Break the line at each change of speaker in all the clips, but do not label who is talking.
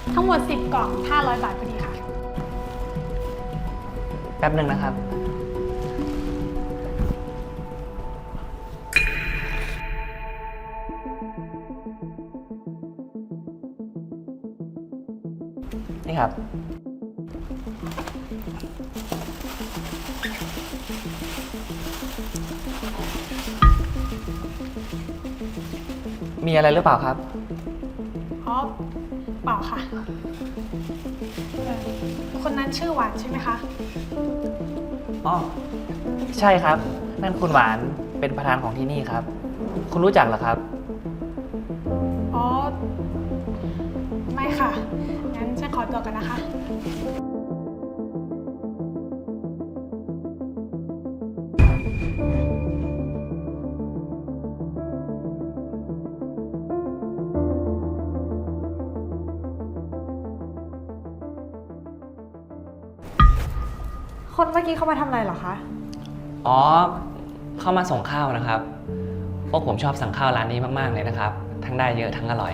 ทั้งหมด10กล่อง500 บาทพอดีค่ะ
แป๊บหนึ่งนะครับ นี่ครับ มีอะไรหรือเปล่าครับ
อ๋อเปล่าค่ะคนนั้นชื่อหวานใช่ไหมคะ
อ๋อ ใช่ครับ นั่นคุณหวานเป็นประธานของที่นี่ครับ คุณรู้จักเหรอครับ
อ๋อไม่ค่ะงั้นฉันขอตัวกันนะคะ
คนเมื่อกี้เขามาทำอะไรเหรอคะ
อ๋อ เข้ามาส่งข้าวนะครับ พวกผมชอบสั่งข้าวร้านนี้มากๆเลยนะครับ ทั้งได้เยอะทั้งอร่อย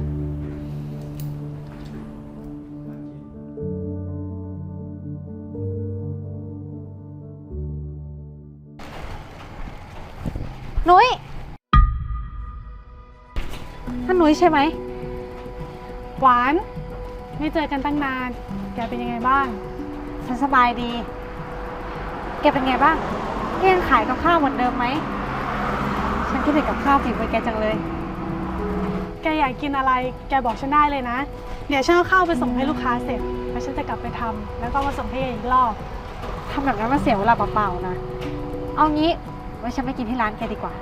นุ้ยท่านนุ้ยใช่ไหม
หวานไม่เจอกันตั้งนานแกเป็นยังไงบ้าง
ฉันสบายดี แกเป็นไงบ้างยังขายกับข้าวเหมือนเดิมไหม ฉันคิดถึงกับข้าวฝีมือแกจังเลย
แกอยากกินอะไรแกบอกฉันได้เลยนะเดี๋ยวฉันเอาข้าวไปส่งให้ลูกค้าเสร็จแล้วฉันจะกลับไปทำแล้วก็มาส่งให้แกอีกรอบ
ทำแบบนั้นมันเสียเวลาเปล่าๆนะ เอางี้ไว้ฉันไปกินที่ร้านแกดีกว่า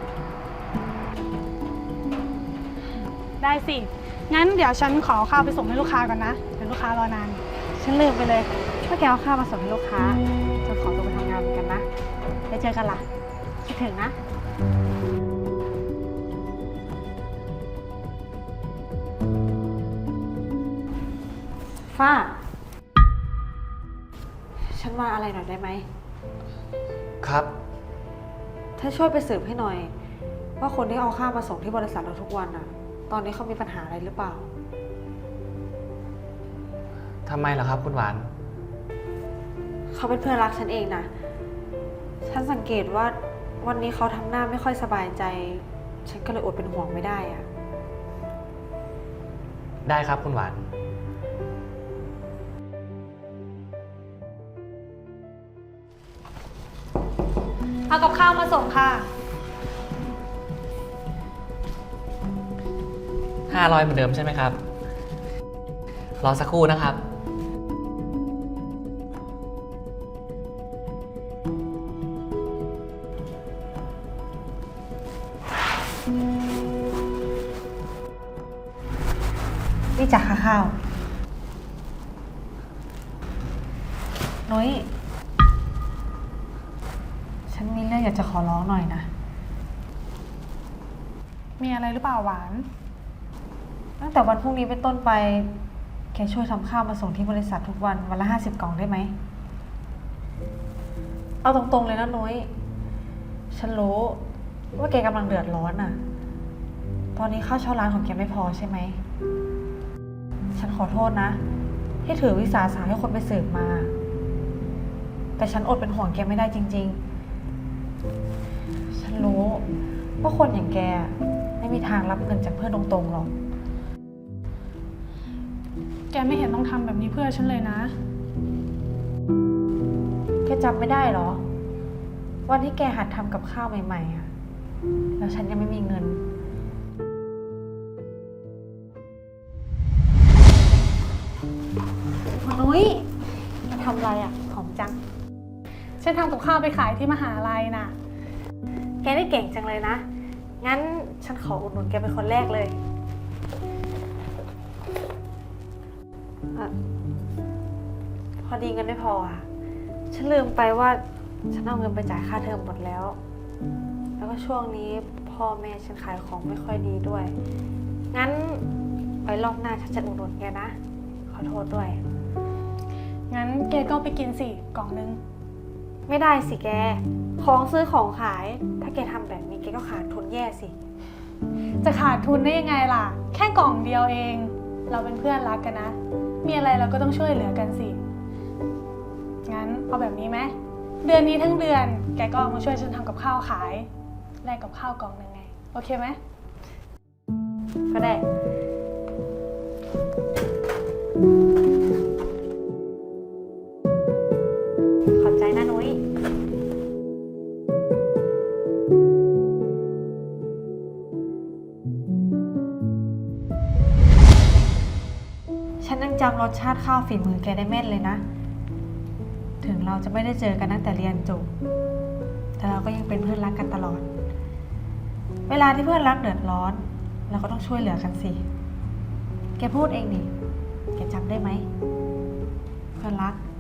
ได้สิงั้นเดี๋ยวฉันขอข้าวไปส่งให้ลูกค้าก่อนนะเดี๋ยวลูกค้ารอนาน
ฉันลืมไปเลยว่าแกเอาข้าวมาส่งให้ลูกค้าจะขอตัวไปทำงานเหมือนกันนะไปเจอกันล่ะคิดถึงนะฟ้า ฉันมาอะไรหน่อยได้ไหม
ครับ
ถ้าช่วยไปสืบให้หน่อย ว่าคนที่เอาข้าวมาส่งที่บริษัทเราทุกวันน่ะ ตอนนี้เขามีปัญหาอะไรหรือเปล่า
ทำไมล่ะครับคุณหวาน
เขาเป็นเพื่อนรักฉันเองนะ ฉันสังเกตว่าวันนี้เขาทำหน้าไม่ค่อยสบายใจ ฉันก็เลยอดเป็นห่วงไม่ได้อะ
ได้ครับคุณหวาน
เอากับข้าวมาส่งค่ะ
500เหมือนเดิมใช่ไหมครับ รอสักครู่นะครับ
นี่จากข้าวนุ้ย ฉันมีเรื่องอยากจะขอร้องหน่อยนะ
มีอะไรหรือเปล่าหวาน
ตั้งแต่วันพรุ่งนี้เป็นต้นไป แกช่วยทำข้าวมาส่งที่บริษัททุกวันวันละ50 กล่องได้ไหม เอาตรงๆเลยนะนุ้ย ฉันรู้ว่าแกกำลังเดือดร้อนอ่ะ ตอนนี้ข้าวเช่าร้านของแกไม่พอใช่ไหม ฉันขอโทษนะ ที่ถือวิสาสะให้คนไปสืบมา แต่ฉันอดเป็นห่วงแกไม่ได้จริงๆ ฉันรู้ว่าคนอย่างแกไม่มีทางรับเงินจากเพื่อนตรงๆหรอก
แกไม่เห็นต้องทำแบบนี้เพื่อฉันเลยนะ
แกจำไม่ได้เหรอ วันที่แกหัดทำกับข้าวใหม่ๆอะแล้วฉันยังไม่มีเงิน คุณนุ้ยมาทำอะไรอ่ะหอมจัง
ฉันทำกับข้าวไปขายที่มหาลัยน่ะ
แกได้เก่งจังเลยนะ งั้นฉันขออุดหนุนแกเป็นคนแรกเลยพอดีเงินไม่พออ่ะ ฉันลืมไปว่าฉันเอาเงินไปจ่ายค่าเทอมหมดแล้ว แล้วก็ช่วงนี้พ่อแม่ฉันขายของไม่ค่อยดีด้วย งั้นไว้รอบหน้าฉันจะอุดหนุนแกนะ ขอโทษด้วย
งั้นแกก็ไปกินสิกล่องนึง
ไม่ได้สิแก ของซื้อของขาย ถ้าแกทำแบบนี้แกก็ขาดทุนแย่สิ
จะขาดทุนได้ยังไงล่ะ แค่กล่องเดียวเองเราเป็นเพื่อนรักกันนะ มีอะไรเราก็ต้องช่วยเหลือกันสิ งั้นเอาแบบนี้ไหม เดือนนี้ทั้งเดือนแกก็เอามาช่วยฉันทำกับข้าวขายแลกกับข้าวกล่องหนึ่งไง โอเคไหม
ก็ได้ ขอบใจนะนุ้ย ฉันยังจำรสชาติข้าวฝีมือแกได้แม่นเลยนะ ถึงเราจะไม่ได้เจอกันตั้งแต่เรียนจบ แต่เราก็ยังเป็นเพื่อนรักกันตลอด เวลาที่เพื่อนรักเดือดร้อน เราก็ต้องช่วยเหลือกันสิ แกพูดเองดิ แกจำได้ไหม เพื่อนรัก